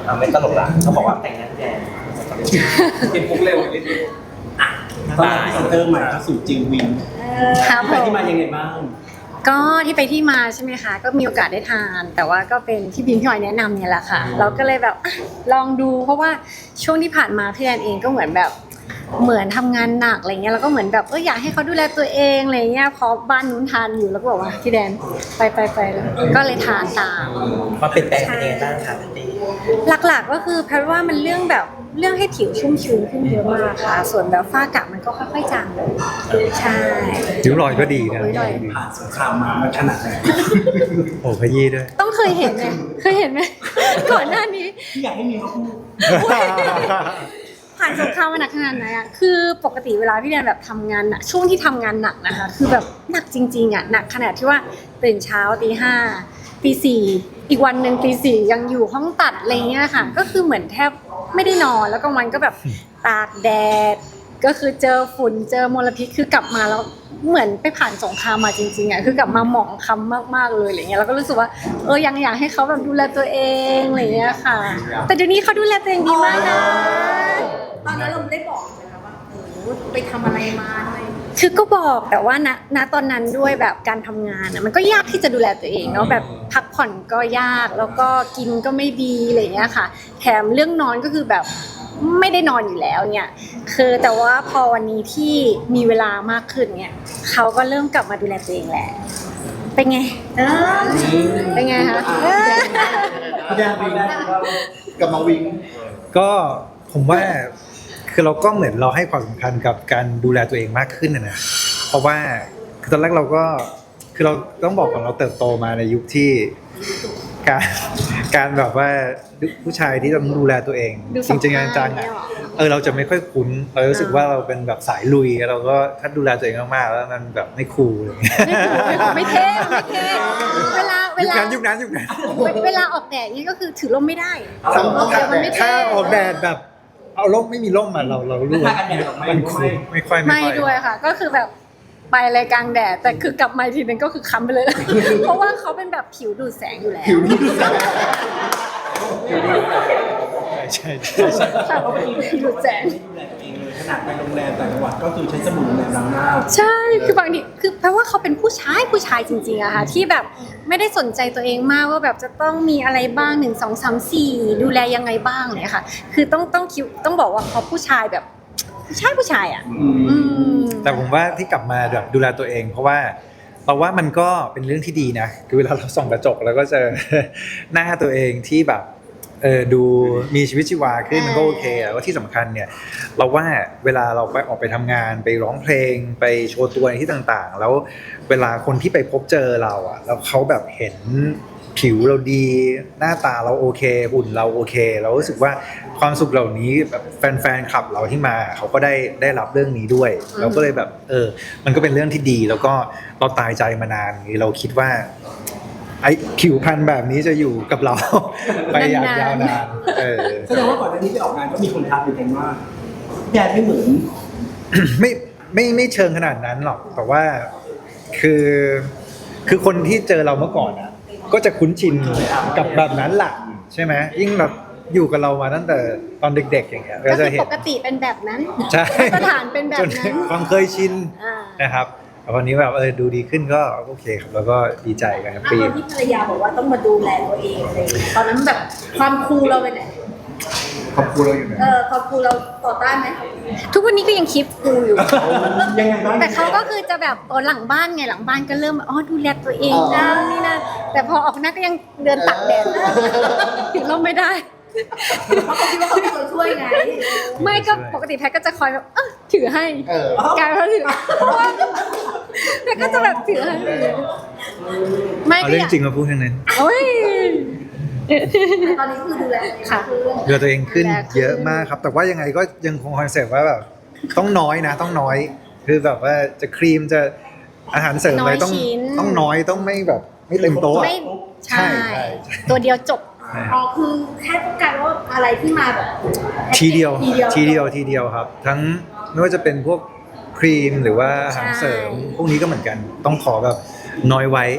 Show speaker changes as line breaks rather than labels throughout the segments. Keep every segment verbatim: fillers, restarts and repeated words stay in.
อ่าไม่ตลกละเขาบอกว่าแต่งงานแดงเป็นพุกเร็วนิดนึงอ่ะตอนนี้เซนเตอร์ใหม่เข้าสู่จิววิน
ครับ
ไปที่มายังไงบ้าง
ก็ที่ไปที่มาใช่ไหมคะก็มีโอกาสได้ทาน แต่ว่าก็เป็นที่บีมพี่ออยแนะนำเนี่ยแหละค่ะเราก็เลยแบบลองดูเพราะว่าช่วงที่ผ่านมาพี่แอนเองก็เหมือนแบบเหมือนทำงานหนักอะไรเงี้ยแล้วก็เหมือนแบบเอออยากให้เขาดูแลตัวเองอะไรเงี้ยพอบ้านนู้นทานอยู่แล้วก็บอกว่าพี่แดนไปไปไปแล้วก็เลยทานตาม
มาเปลี่ยนแปลงเป็นยังไงบ้างคะพี่
หลักๆก็คือแพทย์ว่ามันเรื่องแบบเรื่องให้ผิวชุ่มชื้นขึ้นเยอะมากค่ะส่วนแบบฝ้ากระมันก็ค่อยๆจางลงใช่
ริ้วรอยก็ดีนะ
ผ่านสงครามมามันขนาดไหน
โอ้ขยี้ด้วย
ต้องเคยเห็นไหมเคยเห็นไหมก่อนหน้านี้
พี่อยากให้มีเขาพูด
ผ่านสงครามมาหนักขนาดไหนอ่ะคือปกติเวลาพี่แดนแบบทำงานหนักช่วงที่ทำงานหนักนะคะคือแบบหนักจริงๆอ่ะหนักขนาดที่ว่าตื่นเช้าตีห้าตีสี่อีกวันหนึ่งตีสี่ยังอยู่ห้องตัดอะไรเงี้ยค่ะก็คือเหมือนแทบไม่ได้นอนแล้วกลางวันก็แบบตากแดดก็คือเจอฝุ่นเจอมลพิษคือกลับมาแล้วเหมือนไปผ่านสงครามมาจริงๆอ่ะคือกลับมาหมองคล้ำมากๆเลยอะไรเงี้ยแล้วก็รู้สึกว่าเออยังอยากให้เขาแบบดูแลตัวเองอะไรเงี้ยค่ะแต่เดี๋ยวนี้เขาดูแลตัวเองดีมากนะ
ตอนนั้นเราได้บอกไหมคะว่าโอ้ไปทำอะไรมาอะไร
คือก็บอกแต่ว่าณณตอนนั้นด้วยแบบการทำงานอะมันก็ยากที่จะดูแลตัวเองเนาะแบบพักผ่อนก็ยากแล้วก็กินก็ไม่ดีอะไรเงี้ยค่ะแถมเรื่องนอนก็คือแบบไม่ได้นอนอยู่แล้วเนี่ยคือแต่ว่าพอวันนี้ที่มีเวลามากขึ้นเนี่ยเขาก็เริ่มกลับมาดูแลตัวเองแหละเป็นไงเออเป็นไงคะ
พี่แดนวิง
กับมาวิงก็ผมว่าคือเราก็เหมือนเราให้ความสำคัญกับการดูแลตัวเองมากขึ้นนะนะเพราะว่าคือตอนแรกเราก็คือเราต้องบอกก่อนเราเติบโตมาในยุคที่การการแบบว่าผู้ชายที่ต้องดูแลตัวเองจริงๆจังๆอ่ะเออเราจะไม่ค่อยคุ้นเรารู้สึกว่าเราเป็นแบบสายลุยเราก็ถ้าดูแลตัวเองมากๆแล้วมันแบบไม่คูลอะไรเงี้ย
ไม่เท่ไม่เท่เวลาเวลา
ยุคนั้นยุคนั้น
เวลาออกแดดนี่ก็คือถือร่มไม่ได้ออกแดดมันไม่เท่
ถ้าออกแดดแบบเอาร่มไม่มีร่มมาเราเรารู้ว่ามันคุ้มไม่ค่อย
ไม่ด้วยค่ะก็คือแบบไปอะไรกลางแดดแต่คือกลับมาทีนึงก็คือค้ำไปเลยเพราะว่าเขาเป็นแบบผิวดูดแสงอยู่แล้ว
ผิวดูดแสงใช่ใช่ใช่
ใช่เพราะเป็นผิวดูดแสง
ขนาดไปโรงแรมต่างจังหวัดก็คือใช้สบู่ในล้างหน้า
ใช่คือบางทีคือแปลว่าเขาเป็นผู้ชายผู้ชายจริงๆอะค่ะที่แบบไม่ได้สนใจตัวเองมากว่าแบบจะต้องมีอะไรบ้างหนึ่งสองสามสี่ดูแลยังไงบ้างเนี่ยค่ะคือต้องต้องคิดต้องบอกว่าเขาผู้ชายแบบผู้ชายผู้ชายอะ
แต่ผมว่าที่กลับมาแบบดูแลตัวเองเพราะว่าเราว่ามันก็เป็นเรื่องที่ดีนะคือเวลาเราส่องกระจกแล้วก็เจอหน้าตัวเองที่แบบเออดูมีชีวิตชีวาขึ้นมันก็โอเคแล้วก็ที่สำคัญเนี่ยเราว่าเวลาเราไปออกไปทำงานไปร้องเพลงไปโชว์ตัวในที่ต่างๆแล้วเวลาคนที่ไปพบเจอเราอ่ะแล้วเขาแบบเห็นผิวเราดีหน้าตาเราโอเคหุ่นเราโอเคเรารู้สึกว่าความสุขเหล่านี้แบบแฟนๆคลับเราที่มาเขาก็ได้ได้รับเรื่องนี้ด้วยเราก็เลยแบบเออมันก็เป็นเรื่องที่ดีแล้วก็เราตายใจมานานเราคิดว่าไอ้ผิวพรรณแบบนี้จะอยู่กับเราไปอย่างยาวนาน
แสดงว่าก่อนหน้านี้ไปออกงานก็มีคนทักอยู่กันว่าแดนไม่เหมือน
ไม่ไม่ไม่เชิงขนาดนั้นหรอกแต่ว่าคือคือคนที่เจอเราเมื่อก่อนอ่ะก็จะคุ้นชินกับแบบนั้นแหละใช่ไหมยิ่งแบบอยู่กับเรามาตั้งแต่ตอนเด็กๆอย่างเงี้ย
ก็จะเห็นปกติเป็นแบบนั้น
ใช่
มาตรฐานเป็นแบบนั้น
ความเคยชินนะครับวันนี้แบบเออดูดีขึ้นก็โอเคครับแล้วก็ดีใจกันครับ
ตอนที่ภรรยาบอกว่าต้องมาดูแลตัวเองอะไรตอนนั้นแบบความคูลเราไปไหน
ความคูลเราอยู่ไหน
เออความคูลเราต่อต้านไหม
ทุกวันนี้ก็ยังคิดคูลอยู่
ยังไงบ้าง
แต่เขาก็คือจะแบบหลังบ้านไงหลังบ้านก็เริ่มอ๋อดูแลตัวเองนะนี่นะแต่พอออกหน้าก็ยังเดินตักแดดถึงเราไม่ได้
เพราะเขาคิดว่าเขาเป็นคนช่วยไง
ไม่ก็ปกติแพทก็จะคอยแบบเออถือให้กลายเป็นถือเพราะว่าแพทก็จะแบบถือให้
ไม่ก็เรื่องจริงมาพูดทั้งนั้น
โอ้ย
ตอนนี้คือดูแล
ค่ะ
ดูแลตัวเองขึ้นเยอะมากครับแต่ว่ายังไงก็ยังคงคอนเซ็ปต์ว่าแบบต้องน้อยนะต้องน้อยคือแบบว่าจะครีมจะอาหารเสริมอะไรต้องต้องน้อยต้องไม่แบบไม่เต็มโต๊ะ
ใช่ตัวเดียวจบ
อ๋อคือแค่ต้องการว่าอะไรที่มาแบบ
ทีเดียวทีเดียวทีเดียวครับทั้งไม่ว่าจะเป็นพวกครีมหรือว่าอาหารเสริมพวกนี้ก็เหมือนกันต้องขอแบบน้อยไว้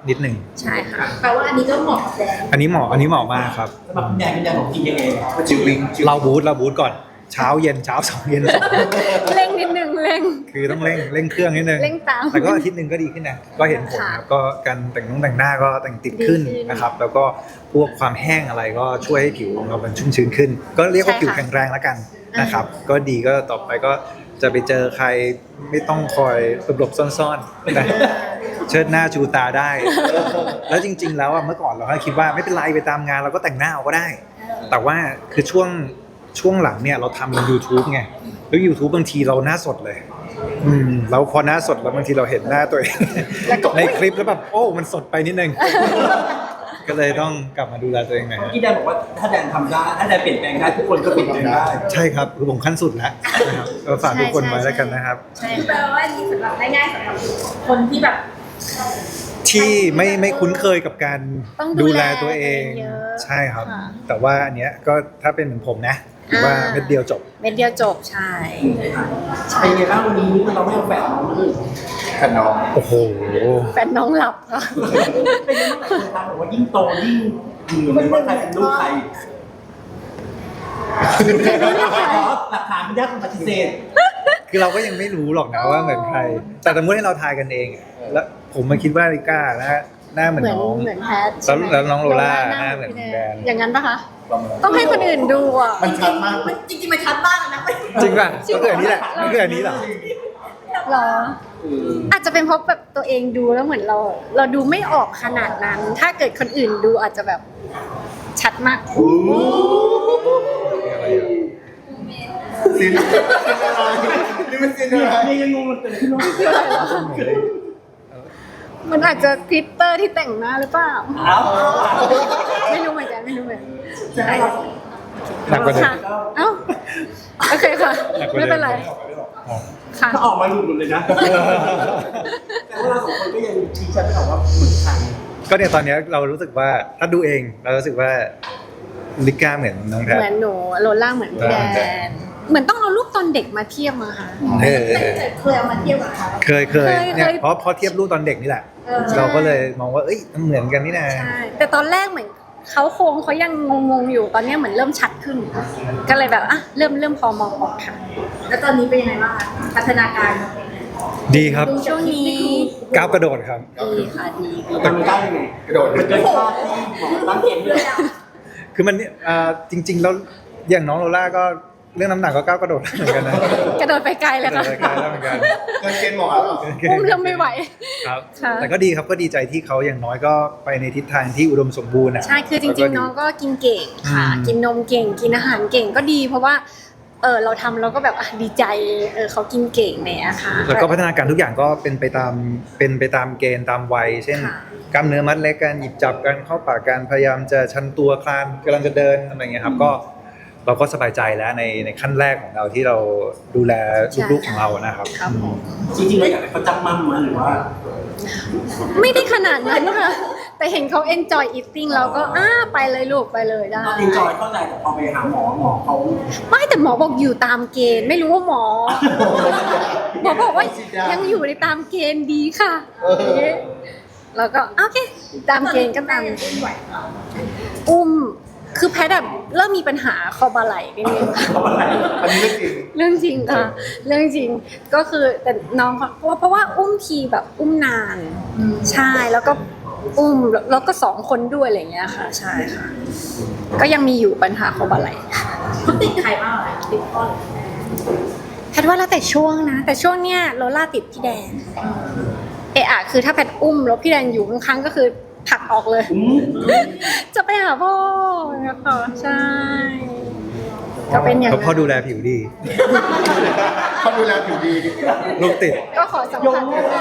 นิดหนึ่ง
ใช่ค่ะ
แปลว่าอันนี้ก็เหมาะกับแดน
อันนี้เหมาะอันนี้เหมาะมากครับ
สำหรับคุณแดนคุณแดนบอกกินยังไงว่า
จิววิง
เราบูทเราบูทก่อนเช้าเย็นเช้าสองเย็นสอง
เร่งนิดนึงเร่ง
คือต้องเร่งเร่งเครื่องนิดนึง
เร่งตาม
แต่ก็อาทิตย์หนึ่งก็ดีขึ้นนะก็เห็นผลครับก็การแต่งนุ่งแต่งหน้าก็แต่งติดขึ้น
ดีขึ้น
นะครับ แล้วก็พวกความแห้งอะไรก็ช่วยให้ผิวของเรามันชุ่มชื้นขึ้น ก็เรียกว่า
ใช่ค่ะ
ผิวแข็งแรงแล้วกันนะครับ ก็ดีก็ต่อไปก็จะไปเจอใครไม่ต้องคอยหลบๆซ่อนๆนะเชิดหน้าชูตาได้ แล้วจริง ๆ แล้วอะเมื่อก่อนเราก็คิดว่าไม่เป็นไรไปตามงานเราก็แต่งหน้าเอาก็ได้ แต่ว่าคือช่วงช่วงหลังเนี่ยเราทำเป็น YouTube ไงแล้ว YouTube บางทีเราหน้าสดเลย อืมแล้วพอหน้าสดแล้วบางทีเราเห็นหน้าตัวเอง ในคลิปแล้วแบบโอ้มันสดไปนิดนึง ก็เลยต้องกลับมาดูแลตัวเองหน่อย
เมื่อ
ฮะ
กี้แดนบอกว่าถ้าแดนทำได้ถ้าแดนเปลี่ยนแปลงได้ทุกคนก็เปลี่ยนแปลงได้
ใช่ครับคือผมขั้นสุดแล้วนะครับก็ฝากทุกคนไว้แล้วกันนะครับ
ใช่
แปล
ค่ะ
ว่าอันนี้สำหรับง่ายๆสำหรับคนที่แบบ
ที่ไม่ไม่คุ้นเคยกับการ
ต้อง
ดู
ดู
แล
แล
ตัวเอง
เยอะ
ใช่ครับ
ค่ะ
แต่ว่าอันเนี้ยก็ถ้าเป็นเหมือนผมนะถือว่า
อ่า
เม็ดเดียวจบ
เม็ดเดียวจบใช่
เป็นไงบ้างวันนี้เราไม่เอาแฝดน้องมาเลย
ขนม
โอ้โห
แฟนน้องหลับค่ะ
เป็นยังไงบ้างครับบอกว่ายิ่งโตยิ่งเหมือนว่าใครเป็นลูกใครหลักฐานไม่ได้คนปฏิเสธ
คือเราก็ยังไม่รู้หรอกนะว่าเหมือนใคร แต่สมมติให้เราทายกันเองอะแล้วผมมาคิดว่าลิก้านะหน้าเหมือน
เหมือน
น้อง
เหมือนแพท
แล้วแล้วน้องโลล่า
ห
หน้าเหมือนแดน
อย่างนั้นปะคะ ต้องให้คนอื่นดูอ่ะ
มันชัดมาก
มันจริงๆมันชัดมากนะ
จริงป่ะก็คืออันนี้แหละก็คืออันนี้เหรอ
หรอ อาจจะเป็นเพราะแบบตัวเองดูแล้วเหมือนเรา เราดูไม่ออกขนาดนั้น ถ้าเกิดคนอื่นดูอาจจะแบบชัดมาก
ซินนี่มันซินอะไร
เนี่ยยังงงมันเกิดขึ้นว่า
มันอาจจะคลิตเตอร์ที่แต่งหน้าหรือเปล่า
เอ้า
ไม่รู้เหมือนกันไม่รู้เหมือนกัน
จะให้เรา
หนักกว่าเดิม
ค่ะเอ้าโอเคค่ะ
หนักกว่าเดิม
ไม่เป็นไรค่ะ
ถ้าออกมาหลุดหมดเลยนะแต่ว่าเราสองคนก็ยังชี้ชัดไม่ออกว่าเหมือนใคร
ก็เนี่ยตอนเนี้ยเรารู้สึกว่าถ้าดูเองเรารู้สึกว่าลิก้าเหมือนน้องแพท
เหมือนหนูโลล่าเหมือนพี่แด
แด
น เหมือนต้องเอารูปตอนเด็กมาเทียบมาค่ะ
เออ
แต่เคยเอามาเทียบกับเขา
เคยเคย
เคย
เนี่ย
เคย
เพราะเพราะเทียบรูปตอนเด็กนี่แหละ
เออ
เราก็เลยมองว่าเอ้ยมันเหมือนกันนี่นะ
ใช่ แต่ตอนแรกเหมือนเขาโครงเขายังงงๆอยู่ ตอนเนี้ยเหมือนเริ่มชัดขึ้น ก็เลยแบบอ่ะเริ่มเริ่มพอมองออกค่ะ
แล้วตอนนี้เป็นยังไงบ้างคะพัฒนาการ
ดีครับ
ช่วงนี้
ก้าวกระโดดครับ
ดีค่ะดีดี
ทำได้ยังไง
กระโดด
มันเกินคาดที่หมอตั้งเกณฑ์เลย
คือมันเนี่ยอ่าจริง ๆ แล้วอย่างน้องโลล่าก็เรื่องน้ำหนักก็ก้าวกระโดดเหมือนกันนะ
กระโดดไปไกลเลยค่ะ
กระโดดไปไกลแล้วเหมือนกัน
เกินเกณฑ์หมอแล้วเหรอ
อุ้มเริ่มไม่ไหว
ครับ
ค่ะ
แต่ก็ดีครับก็ดีใจที่เขาอย่างน้อยก็ไปในทิศทางที่อุดมสมบูรณ์อ่ะ
ใช่ คือจริงๆ น้องก็กินเก่งค่ะ
อืม
กินนมเก่ง กินอาหารเก่งก็ดี เพราะว่า เออเราทำเราก็แบบอ่ะดีใจ เออเขากินเก่งเนี่ยค่ะ
แล้วก็พัฒนาการทุกอย่างก็เป็นไปตามเป็นไปตามเกณฑ์ตามวัย เช่น
ค่ะ
กล้ามเนื้อมัดเล็กการหยิบจับการเข้าปากการพยายามจะชันตัวคลานกำลังจะเดินอะไรเงี้ยครับก็เราก็สบายใจแล้วในในขั้นแรกของเราที่เราดูแลลูกๆของเรานะครับ
ครับผม
จริงๆเราอยากให้เขาจำมั่มมาหรือว่า
ไม่ได้ขนาดนั้นค่ะ แต่เห็นเขา enjoy eating เราก็อ้าไปเลยลูกไปเลยได้
ตอนเอนจอยเข้าใจแต่พอไปหาหมอหมอเขา
ไม่แต่หมอบอกอยู่ตามเกณฑ์ ไม่รู้ว่าหมอ หมอบอกว่ายังอยู่ในตามเกณฑ์ดีค่ะแล้วก็โอเค ตามเกณฑ์ก็ตาม
อุ้มไหว
อุ้ม คือแพทย์แบบเริ่มมีปัญหาคอบ่าไหล่นิดนึง
อันนี้เรื่องจริง
เรื่องจริงค่ะ เรื่องจริงก็คือแต่น้องเขาเพราะว่าเพราะว่าอุ้มทีแบบอุ้มนาน ใช่แล้วก็อุ้มแล้วก็สองคนด้วยอะไรอย่างเงี้ยค่ะ ใช่ค่ะ ก็ยังมีอยู่ปัญหาคอบ่าไหล่
เขาติดใครบ้างเหรอติดพ่อหรือแม่
แพทย์ว่าแล้วแต่ช่วงนะ แต่ช่วงเนี้ยโลล่าติดพี่แดนเอะอะคือถ้าแพทย์อุ้มแล้วพี่แดนอยู่ข้างๆก็คือผลักออกเลย
อืม
จะไปหาพ่อนะคะใช่ ก็เป็นอย่าง
เขา
นั้น
พ่อดูแลผิวดี
เขาดูแลผิวดี
ลูกติด
ก็ขอสัมผัสนิดนึง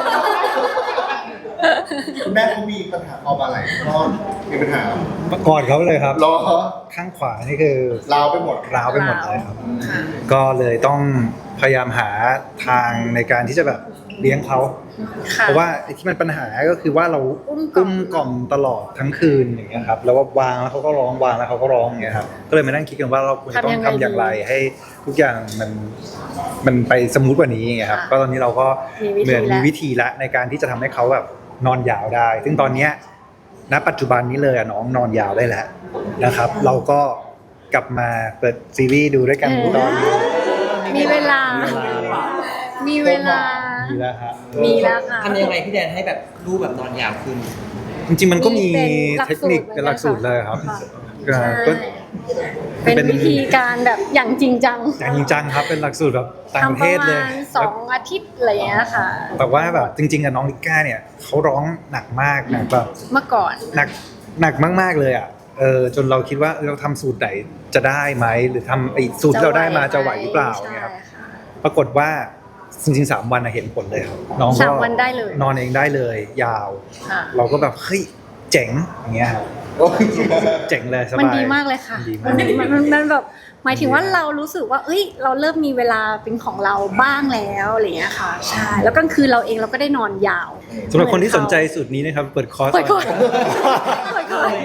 คุณแม่เขามีปัญหาคอบาไหลก็มีปัญหา
ก่อนเขาเลยครับ
รอ
ข้างขวานี่คือ
ลาวไปหมด
ร้าวไปหมดเลยครับ ก็เลยต้องพยายามหาทางในการที่จะแบบเลี้ยงเขา
ค่ะ
เพราะว่าไอ้ที่มันปัญหาก็คือว่าเรา
อุ้มกล่อม
อุ้มกล่อมตลอดทั้งคืนอย่างเงี้ยครับแล้วว่าวางแล้วเขาก็ร้องวางแล้วเขาก็ร้องอย่างเงี้ยครับก็เลยมานั่งคิดกันว่าเราควรจะต้องทำอย่างไรให้ทุกอย่างมันมันไปสมูทกว่านี้อย่างเงี้ยครับก็ตอนนี้เราก็เหมือนมีวิธีละในการที่จะทำให้เขาแบบนอนยาวได้ ซึ่งตอนเนี้ยณปัจจุบันนี้เลยอะน้องนอนยาวได้แล้วนะครับ เราก็กลับมาเปิดซีรีส์ดูด้วยกันตอน
มีเวลา มีเวลา
มีแล้วฮะ
มีแล้วค่ะ
ทำยังไงพี่แดนให้แบบลูกแบบนอนยาวขึ้น
จริงๆมันก็มี
เป็นหลัก
เทคนิค
สูตร
เป็นหลักสูตรเลยครับ
ค่ะ
อ่า
ใช่
ก็
เป็นวิธีการแบบอย่างจริงจัง
อย่างจริงจังครับเป็นหลักสูตรแบบต่างประ
ทำป
เท
ระ
ศเล
มาย ณสองอาทิตย์อะไรอย่างเงี้ยค่ะ
แต่ว่าแบบจริงๆอะน้องลิก้าเนี่ยเขาร้องหนักมากหนักแบบ
เมื่อก่อน
หนักหนักมากๆเลยอ่ะเออจนเราคิดว่าเออเราทำสูตรไหนจะได้ไหมหรือทำไอ้สูตรที่เราได้มาจะไหวหรือเปล่า
ใช่
เนี่ยครับ
ค่ะ
ปรากฏว่าจริงๆสามวันอะเห็นผลเลยครับน้องก็
สามวันได้เลย
นอนเองได้เลย ยาว
ค่ะ
เราก็แบบเฮ้ยเจ๋งอย่างเงี้ยครับเจ๋งเลยสบาย
มันดีมากเลยค่ะ
มันดีมาก
มันมันมันแบบหมายถึงว่าเรารู้สึกว่า เอ้ย เราเริ่มมีเวลาเป็นของเราบ้างแล้วอะไรอย่างเงี้ยค่ะ ใช่ แล้วกลางคืนเราเองเราก็ได้นอนยาว
สำหรับคนที่สนใจสูตรนี้นะครับเปิดคอร์ส
เปิดคอร์ส เปิดคอร์ส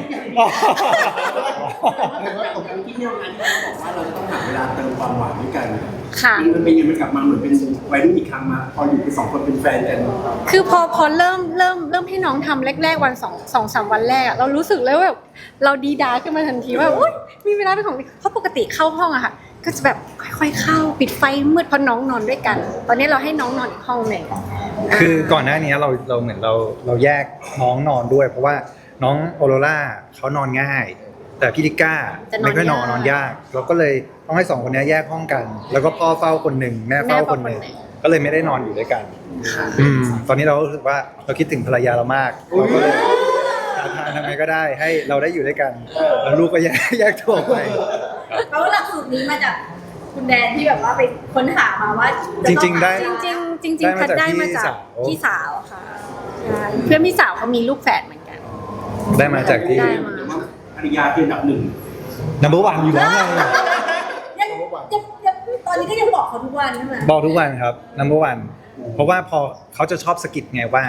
ที่เนี่ยงานที่เราบอกว่าเราจะต้องหาเวลาเติมความหวานด้วยกัน
ค่ะ
มันเป็นยังไงมันกลับมาเหมือนเป็นวัยรุ่นอีกครั้งมาพออยู่เป็นสองคนเป็นแฟนกัน
คือพอพอเริ่มเริ่มเริ่มให้น้องทำแรกๆวันสองสองสามวันแรกอะเรารู้สึกเลยว่าแบบเราดีดาขึ้นมาทันทีว่าอุ๊ยมีเวลาเป็นของตัวเองเพราะปกติเข้าห้องอะค่ะ ก็จะแบบค่อยๆเข้าปิดไฟมืดเพราะน้องนอนด้วยกัน ตอนนี้เราให้น้องนอนอีกห้องหนึ่ง
คือก่อนหน้านี้เราเราเหมือนเราเราแยกน้องนอนด้วย เพราะว่าน้องโอโรล่าเขานอนง่าย แต่พี่ลิก้าไม่ค่อยนอนนอนยาก เราก็เลยต้องให้สองคนนี้แยกห้องกัน แล้วก็พ่อเฝ้าคนหนึ่งแม่เฝ้าคนหนึ่งก็เลยไม่ได้นอนอยู่ด้วยกัน
ค่ะ
อืมตอนนี้เรารู้สึกว่าเราคิดถึงภรรยาเรามากเราก็เลยหาทางทำไงก็ได้ให้เราได้อยู่ด้วยกันแล้วลูกก็แยกแยกตัวไป
เพราะว่าหลักสูตรนี้มาจากคุณแดนที่แบบว่าไปค้นหามาว่าะ
จ
ต้อง
ริงๆได้
จริงๆจริง
ได้
ๆ
มา
พัด
จาก
ได้มาจาก
พี่
พี่
สา
สาว วค่ะใช่เพื่อนพี่สาวเขามีลูกแฝดเหมือนกัน
ได้มาจากที่
ได้มา
ภรรยาเป็นอันดับหนึ่ง
number one อยู่แล้วไง
ยังยังยังตอนนี้ก็ยังบอกเขาทุกวันใช่ไหม
บอกทุกวันครับ number one เพราะว่าพอเขาจะชอบสะกิดไงว่า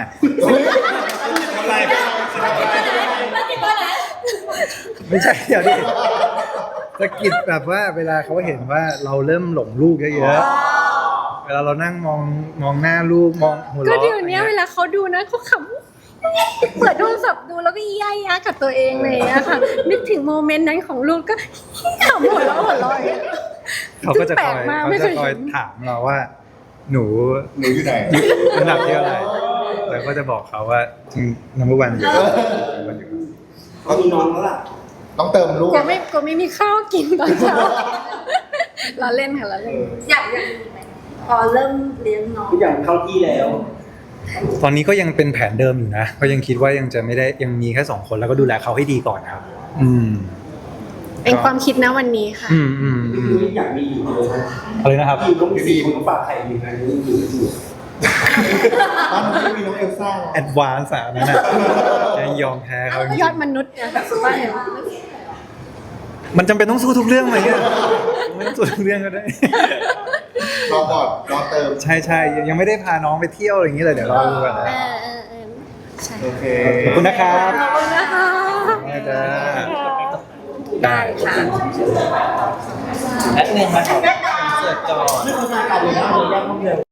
แล้วคิดว่าไหน
ไม่ใช่เดี๋ยวดิสะกิดแบบว่าเวลาเขาเห็นว่าเราเริ่มหลงลูกเยอะๆเวลาเรานั่งมองมองหน้าลูกมองหัว
ก็
เราะ
เดี๋ยวนี้เวลาเขาดูนะเขาขำเปิดโทรศัพท์ดูแล้วก็ย่ายากับตัวเองเลยอะค่ะ นึกถึงโมเมนต์นั้นของลูกก็ขำหัวเราะหัวเราะอย่างเงี้ย
เขาก็จะ
แปล
คอก ย
มาก
เขา
ไม่เค
จะ
ย
คอย
เห็น
ถามเราว่า หนู
หนูอยู่ไหน
อันดับที่เท่าไหร่แล้วก็จะบอกเขาว่าจริง number one อยู่
เขามีน้องแล้วล่ะ
ต้องเติมลูก
กลัวไม่กลัวไม่มีข้าวกินตอนเช้าเราเล่นค่ะเราเล่น
อยากอยากมีไหมพอเริ่มเลี้ยงน้อง
ทุกอย่างเข้าที่แล้ว
ตอนนี้ก็ยังเป็นแผนเดิมอยู่นะก็ยังคิดว่ายังจะไม่ได้ยังมีแค่สองคนแล้วก็ดูแลเขาให้ดีก่อนครับ อืม
เป็นความคิดนะวันนี้ค่ะ
อืมอืมอืม
อยากมีอีกเลย
อะไรนะครับ
มีน้องซีคนฝากใครอยู่ในนี้อยู่อยู่
บ้านนี้มีน้องเอลซ่า
แอดวานซ์อะนั่นน่ะยังยอมแพ้เขาจริง
ยอดมนุษย์นะว่าเห็น
มันจำเป็นต้องสู้ทุกเรื่องไหมเนี่ยไม่ต้องสู้ทุกเรื่องก็ได้
รอก่อนรอเติม
ใช่ใช่ยังไม่ได้พาน้องไปเที่ยวอะไรอย่างนี้เลยเดี๋ยวรอดูกัน
เอ
นะ
อเออเออใช่
โอเค
ขอบคุณนะครับ
ขอบคุณนะคะ
ได้จ้า
ได้ค่ะ
และเงินมาขอเสิร์ฟก่อนไม่เข้าใจกันเลยนะเลยแยกห้องเดียว